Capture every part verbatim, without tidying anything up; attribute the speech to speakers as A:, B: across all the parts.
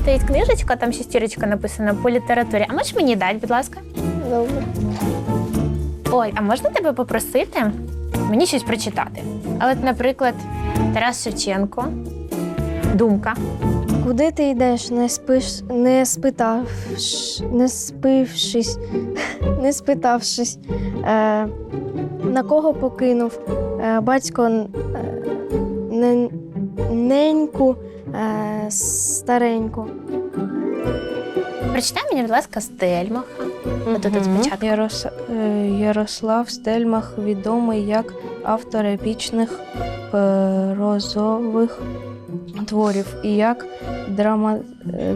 A: стоїть книжечка, там шестірочка написана по літературі. А можеш мені дати, будь ласка?
B: Добре.
A: Ой, а можна тебе попросити мені щось прочитати? Але, наприклад, Тарас Шевченко, «Думка».
B: Куди ти йдеш, не спиш, не спитавш, не спившись, не спитавшись, е, на кого покинув е, батько е, не, неньку е, стареньку.
A: Прочитай мені, будь ласка, Стельмаха. От тут спочатку.
C: Ярос... е, Ярослав Стельмах відомий як автор епічних прозових творів і як драма... е,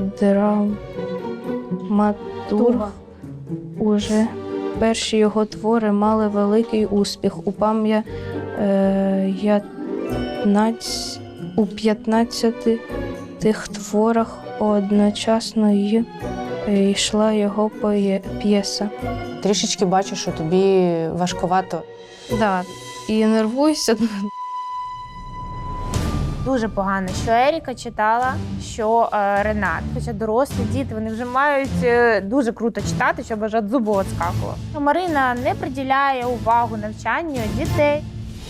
C: драматург. Уже перші його твори мали великий успіх. У пам'я... е, ятнаць... у п'ятнадцяти тих творах одночасно й йшла його поє... п'єса.
D: Трішечки бачу, що тобі важкувато.
C: Да, і нервуюся.
A: Дуже погано, що Еріка читала, що е, Ренат. Хоча дорослі діти, вони вже мають е, дуже круто читати, щоб аж від зубу відскакувало. Марина не приділяє увагу навчанню дітей.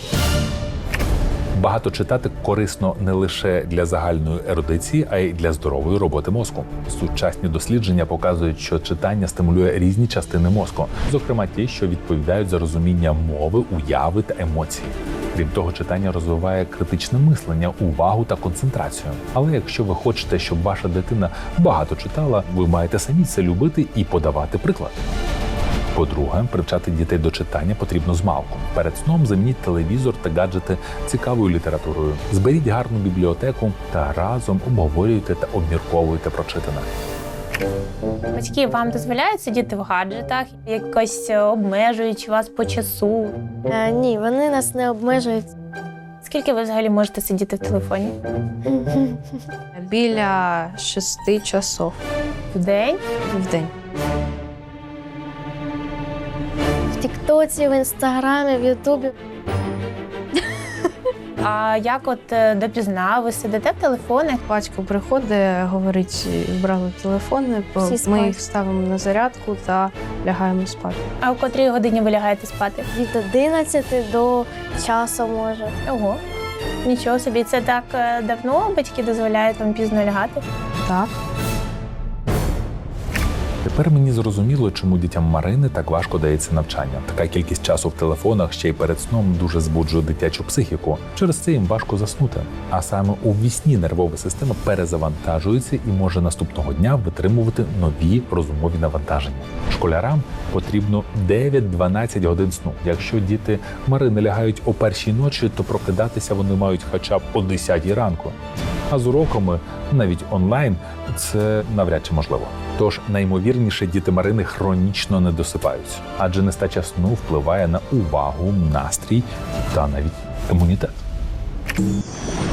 E: Багато читати корисно не лише для загальної ерудиції, а й для здорової роботи мозку. Сучасні дослідження показують, що читання стимулює різні частини мозку, зокрема ті, що відповідають за розуміння мови, уяви та емоції. Крім того, читання розвиває критичне мислення, увагу та концентрацію. Але якщо ви хочете, щоб ваша дитина багато читала, ви маєте самі це любити і подавати приклад. По-друге, привчати дітей до читання потрібно змалку. Перед сном замініть телевізор та гаджети цікавою літературою. Зберіть гарну бібліотеку та разом обговорюйте та обмірковуйте прочитане.
A: Батьки вам дозволяють сидіти в гаджетах, якось обмежуючи вас по часу?
B: Е, ні, вони нас не обмежують.
A: Скільки ви взагалі можете сидіти в телефоні?
C: Біля шести часов
A: В день?
C: в день.
B: В Тіктоці, в Інстаграмі, в Ютубі.
A: А як от е, допізна ви сидите в телефонах?
C: Батько приходить, говорить, брали телефони, бо
B: Всі
C: ми
B: спать.
C: їх ставимо на зарядку та лягаємо спати.
A: А о котрій годині ви лягаєте спати?
B: Від одинадцяти до часу може.
A: Ого, нічого собі. Це так е, давно батьки дозволяють вам пізно лягати?
C: Так.
E: Тепер мені зрозуміло, чому дітям Марини так важко дається навчання. Така кількість часу в телефонах ще й перед сном дуже збуджує дитячу психіку. Через це їм важко заснути. А саме у вісні нервова система перезавантажується і може наступного дня витримувати нові розумові навантаження. Школярам потрібно дев'ять-дванадцять годин сну. Якщо діти Марини лягають о першій ночі, то прокидатися вони мають хоча б о десятій ранку. А з уроками, навіть онлайн, це навряд чи можливо. Тож найімовірніше діти Марини хронічно не досипають, адже нестача сну впливає на увагу, настрій та навіть імунітет.